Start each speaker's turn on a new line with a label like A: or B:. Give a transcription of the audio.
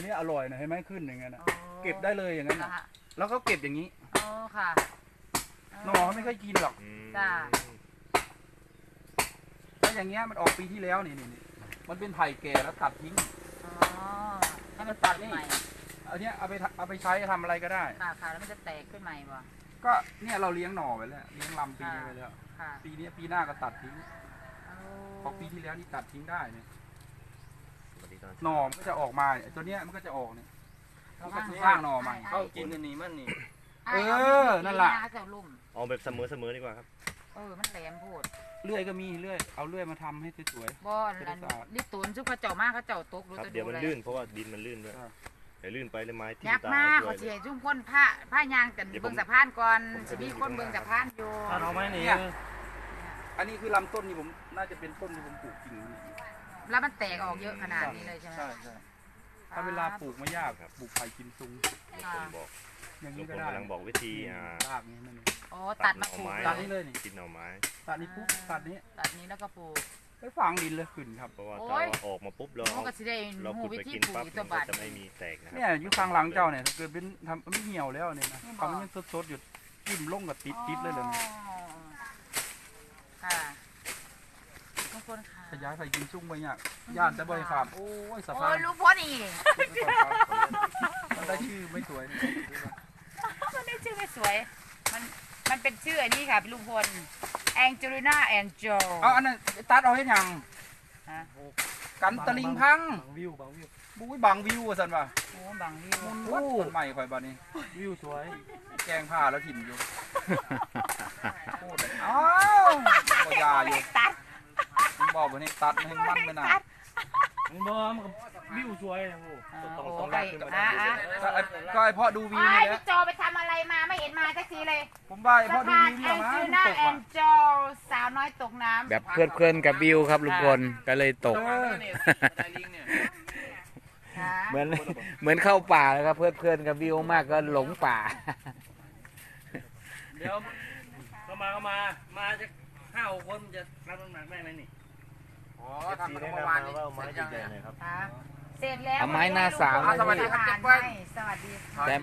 A: นี้อร่อยนะเห็นไหมขึ้นอย่างเงี้ยนะ
B: อ๋อ
A: เก็บได้เลยอย่างนั้น
B: เหร
A: นะ
B: อฮะ
A: แล้วก็เก็บอย่างนี้
B: อ๋อค่ะ
A: หน่อเขาไม่ค่อยกินหรอก
B: จ้า
A: ถ้าอย่างเงี้ยมันออกปีที่แล้วนี่มันเป็นไผ่แก่แล้วตัดทิ้ง
B: อ๋อให้มันตัดใหม่
A: อันเนี้ยเอาไปใช้ทำอะไรก็ได้
B: ค่ะค่ะแล้วมันจะแตกขึ้นใหม่บ่
A: ก็เนี่ยเราเลี้ยงหน่อไว้แล้วเลี้ยงลำปีนี้ไว้แล้ว
B: ค่ะ
A: ปีนี้ปีหน้าก็ตัดทิ้ง
B: เอา
A: พอปีที่แล้วนี่ตัดทิ้งได้เนี่ย
C: สวัสดีตอน
A: หน่อมันก็จะออกมาเนี่ยตัวเนี้ยมันก็จะออกเนี่ย
B: เอา
A: ก็สร้างหน่อใหม่
D: เข้ากินอันนี้มันนี่
B: ไอ้
A: เออ
B: า
A: นั่นล่ะ
B: ปีาจะลุ่ม
C: เอาแบบเสมอดีกว่าครับ
B: มันแหลมโพูด
A: เลื่อยก็มีเลื่อยเอาเลื่อยมาทำให้สวย
B: บ่อันลิตูนซุปเขาเจ้ามากเขาเจ้าตกรู้
C: ครับ
B: จะ
C: เดี๋ยวมัน
B: เลย
C: ลื่นเพราะว่าดินมันลื่นด้วย
A: ใช่
C: เดี๋ยวลื่นไปแล้วไม้ทิ่ม
B: ยัก
C: ตา
B: มาก
C: ด้ว
B: เขา
C: ย
B: เสียจุ่มคนผ้ายางกันเบิ่งสะพานก่อน
C: ผมจะ
B: มีคนเบิ่งสะพานอยู่
D: ถ้าเอาไม้นี่
A: ๆอันนี้คือลำต้นนี่ผมน่าจะเป็นต้นที่ผมปลูกจริง
B: แล้วมันแตกออกเยอะขนาดนี้เลยใช่ไหม
A: ใช่ใช่ถ้าเวลาปลูกไม่ยากปลูกไผ่กิมซุง
C: ลุงพลบอก
A: อย่าง
C: ลุ
A: นี้
C: งพ
A: ก็
C: ล
A: ได้
C: กำลังบอกวิธี
A: รากนี้นั่นเอง
B: อ๋อตัดมาปลูก
C: ตั
A: ตั
C: ด
A: ด
C: หน่อไม้
A: นี้เลยนี่
C: กินหน่อไม้
A: ตัดนี้ปุ๊บตัดนี้
B: ตัดนี้แล้วก็ปลูก
A: ไปฝังดินเลยขึ้นครับ
C: เพราะว่า
B: โอ้
C: ถ้าย ออกมาปุ๊บเรา
B: มันก็สิได้
C: เรา
B: หู
C: ขุด
B: วิ
C: ไป
B: ธี
C: กิน
B: ปลูก
C: ปั๊บ
B: อีก
C: มั
B: ตัวน
C: ก็
B: บาท
C: จะไม่มีแตกนะค
A: เนี่ย
C: รับ
A: อยู่ข้างหลังเจ้าเนี่ยถ้าเกิดเป็นทำไม่เหี่ยวแล้วเนี่ยนะเขามันยังสดๆอยู่จิ้มลงกับติดเลยเลย
B: อ๋อค่ะทุกคนค่ะ
A: ขยายไผ่กิมซุงไปเนี่ยย่านแต่บ่อยขามโอ้ยสะ
B: โอ้
A: พาน
B: ยลูกพ่อนี่
A: มันได้ชื่อไม่สวย
B: มันได้ชื่อไม่สวย มันเป็นชื่ออันนี้ค่ะพี่ลุงพลแองเจลิน่าแอนโจ
A: เอาอันนั้นตัดเอาให้ยัง
B: ฮะ
A: กันตะลิงพัง
D: บางวิวบางวิว
A: บุ้ยบังวิวสันว่ะ
B: โอ้บางวิว
A: วัดต้นใหม่ข่อยบ้านนี้
D: วิวสวย
A: แกงผ้าแล้วถิ่มอยู่โคตรเลยอ้าวก็ยาอยู่
B: ตัด
A: ผมบอกว่านี่ตัดให้มันไปหน่ะ
D: มันบ่มันก็วิวสวยนะโอ้
B: โอ้
C: ต้อง
B: ไป
C: ลากขึ้นมาด้านบน
A: ก็ไอพ่อดูวิว
B: ไอ้
A: นี่แหละ
B: พี่โจไปทำอะไรมาไม่เห็นมาสักทีเลย
A: ผมว่าไอพ่อ
B: สะ
A: ดู
B: พาน
A: วิว
B: แอ
A: นี่
B: ง
A: หรอ
B: เจลิน่าแอ
A: มั้
B: น
A: ง
B: โจสาวน้อยตกน้ำ
E: แบบเพลินๆกับวิวครับลุงพลก็เลยตก
B: ค่ะ
E: เหมือนเข้าป่าเลยครับเพลินๆกับวิวมากก็หลงป่า
D: เดี๋ยวเข้ามาจะ5-6 คนจะรับน้ำหนักได้ไหมนี่
A: อ๋อทำกันเมื่อวานนี้
C: ไม้ใหญ่ๆหน่อยครับ
B: ค่ะเสร็จแล้ว
E: เอาไม้หน้าสาม
B: สวัสดีค่ะ
A: เก็บไว้
B: สวัสดีค่ะ
E: แต่